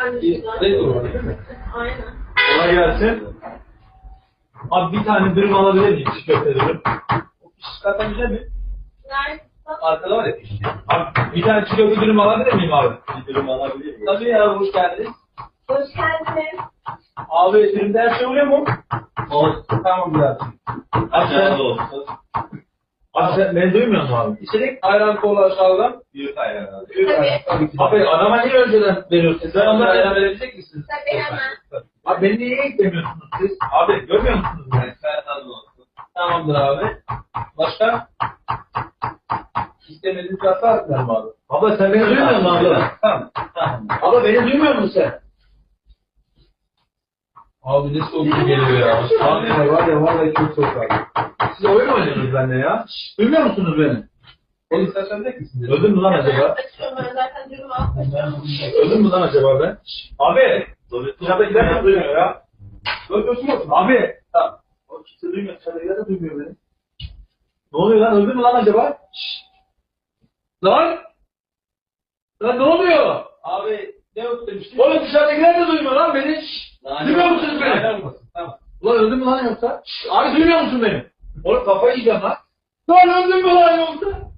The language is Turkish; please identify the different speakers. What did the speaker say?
Speaker 1: Ne olur değil mi?
Speaker 2: Aynen.
Speaker 1: Kolay gelsin. Abi bir tane dürüm alabilir miyim? Çiğ köfte dürüm. O piş zaten güzel mi?
Speaker 2: Nerede?
Speaker 1: Arkada var ya piş. Abi bir tane çiğ köfte dürüm alabilir miyim abi? Bir dürüm alabilir miyim? Tabii ya, hoş geldiniz.
Speaker 2: Hoş geldiniz.
Speaker 1: Abi dürümde her şey oluyor mu? Olsun. Tamam biraz. Aşağıda olsun. Abi sen beni duymuyor musun abi? İçerik ayran kola aşağıdan. Büyük ayran abi. Büyük ayran. Tabii ki. Abi adama niye önceden veriyorsunuz? Sen onlara ayran verebilecek misiniz?
Speaker 2: Tabii hemen.
Speaker 1: Abi beni niye eklemiyorsunuz siz? Abi görmüyor musunuz beni? Sen olsun. Tamamdır abi. Başka? İstemediğiniz hata atlar mı abi? Abla sen beni duymuyor musun abla? Tamam. Tamam. Abla beni duymuyor musun sen? Abi ne soğuk geliyor ya. Abi var ya vallahi çok soğuk abi. Siz oyun mu oynuyorsunuz benimle ya? Duymuyor musunuz beni? Oğlum sen söyleyecek misin? Öldüm mü lan acaba?
Speaker 2: Açıyorum ben zaten durumu atmışım.
Speaker 1: Öldüm mü lan acaba ben? Abi! Dışarıdakiler de duymuyor ya. Öldürsün musun? Abi! Tamam. O kimse duymuyor. Dışarıdakiler de duymuyor beni. Ne oluyor lan? Öldün mü lan acaba? Lan! Lan ne oluyor? Abi ne yok demiştin? Oğlum dışarıdakiler de duymuyor lan beni. Duymuyor musunuz beni? Tamam. Ulan öldün mü lan yoksa? Abi duymuyor musun beni? Oğlum kafayı yiyeceğim lan. Lan öldün mü lan yoksa?